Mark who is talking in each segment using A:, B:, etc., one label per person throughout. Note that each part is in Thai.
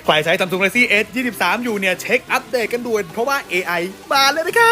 A: ใครใช้ Samsung Galaxy S23 อยู่เนี่ยเช็คอัปเดตกันด่วนเพราะว่า AI มาเลยนะครับ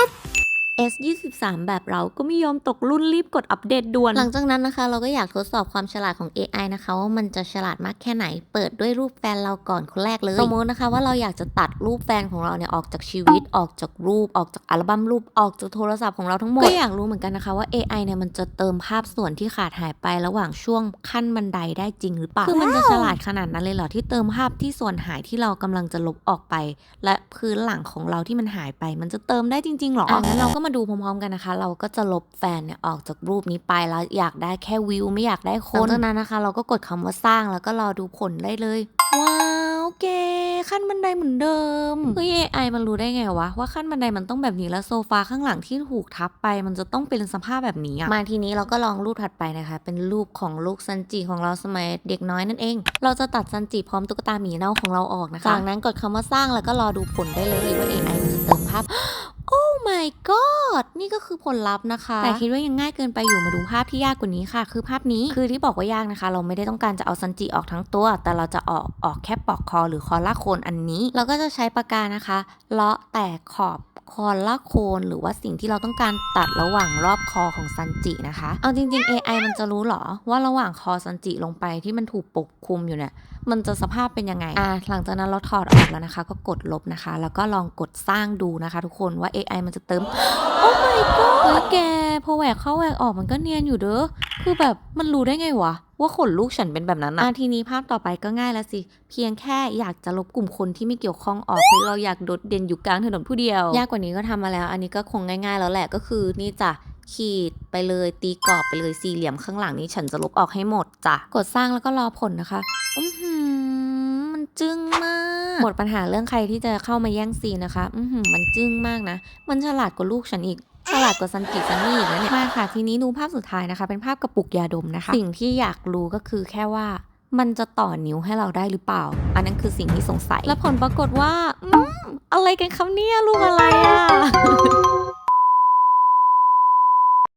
B: S23 แบบเราก็ไม่ยอมตกรุ่นรีบกดอัปเดตด่วนหลังจากนั้นนะคะเราก็อยากทดสอบความฉลาดของ AI นะคะว่ามันจะฉลาดมากแค่ไหนเปิดด้วยรูปแฟนเราก่อนคนแรกเลยสมมตินะคะว่าเราอยากจะตัดรูปแฟนของเราเนี่ยออกจากชีวิตออกจากรูปออกจากอัลบั้มรูปออกจากโทรศัพท์ของเราทั้งหมดก็อยากรู้เหมือนกันนะคะว่า AI เนี่ยมันจะเติมภาพส่วนที่ขาดหายไประหว่างช่วงขั้นบันไดได้จริงหรือเปล่าคือมันจะฉลาดขนาดนั้นเลยเหรอที่เติมภาพที่ส่วนหายที่เรากำลังจะลบออกไปและพื้นหลังของเราที่มันหายไปมันจะเติมได้จริงๆหรองั้นเราก็มาดูพร้อมๆกันนะคะเราก็จะลบแฟนเนี่ยออกจากรูปนี้ไปแล้วอยากได้แค่วิวไม่อยากได้คนหลังจากนั้นนะคะเราก็กดคำว่าสร้างแล้วก็รอดูผลได้เลยว้าวเก๋ขั้นบันไดเหมือนเดิมเฮ้ย AI มันรู้ได้ไงวะว่าขั้นบันไดมันต้องแบบนี้แล้วโซฟาข้างหลังที่ถูกทับไปมันจะต้องเป็นสภาพแบบนี้อะมาทีนี้เราก็ลองรูปถัดไปนะคะเป็นรูปของลูกซันจิของเราสมัยเด็กน้อยนั่นเองเราจะตัดซันจิพร้อมตุ๊กตาหมีเน่าของเราออกนะคะจากนั้นกดคำว่าสร้างแล้วก็รอดูผลได้เลยว่า AI มันจะเติมภาพโอ้ my god นี่ก็คือผลลัพธ์นะคะแต่คิดว่ายังง่ายเกินไปอยู่มาดูภาพที่ยากกว่านี้ค่ะคือภาพนี้คือที่บอกว่ายากนะคะเราไม่ได้ต้องการจะเอาซันจิออกทั้งตัวแต่เราจะออกแค่ปลอกคอหรือคอล่าโคนอันนี้เราก็จะใช้ปากกานะคะเลาะแตกขอบคอล่าโคนหรือว่าสิ่งที่เราต้องการตัดระหว่างรอบคอของซันจินะคะเอาจริงๆ AI มันจะรู้หรอว่าระหว่างคอซันจิลงไปที่มันถูกปกคลุมอยู่เนี่ยมันจะสภาพเป็นยังไงหลังจากนั้นเราถอดออกแล้วนะคะก็กดลบนะคะแล้วก็ลองกดสร้างดูนะคะทุกคนว่า AI มันจะเติมโอ้ my god เฮ้ยแกพอแหวกเข้าแหวกออกมันก็เนียนอยู่เด้อคือแบบมันรู้ได้ไงวะว่าขนลูกฉันเป็นแบบนั้นนะทีนี้ภาพต่อไปก็ง่ายแล้วสิเพียงแค่อยากจะลบกลุ่มคนที่ไม่เกี่ยวข้องออกเพราะเราอยากโดดเด่นอยู่กลางถนนผู้เดียวยากกว่านี้ก็ทำมาแล้วอันนี้ก็คงง่ายๆแล้วแหละก็คือนี่จ้ะขีดไปเลยตีกรอบไปเลยสี่เหลี่ยมข้างหลังนี้ฉันจะลบออกให้หมดจ้ะกดสร้างแล้วก็รอผลนะคะมันจึ้งมากหมดปัญหาเรื่องใครที่จะเข้ามาแย่งซีนนะคะมันจึ้งมากนะมันฉลาดกว่าลูกฉันอีกฉลาดกว่าซันจิซันนี่อีกนะเนี่ยมาค่ะทีนี้ดูภาพสุดท้ายนะคะเป็นภาพกระปุกยาดมนะคะสิ่งที่อยากรู้ก็คือแค่ว่ามันจะต่อนิ้วให้เราได้หรือเปล่าอันนั้นคือสิ่งที่สงสัยและผลปรากฏว่าอะไรกันครับเนี่ยลูกอะไรอะ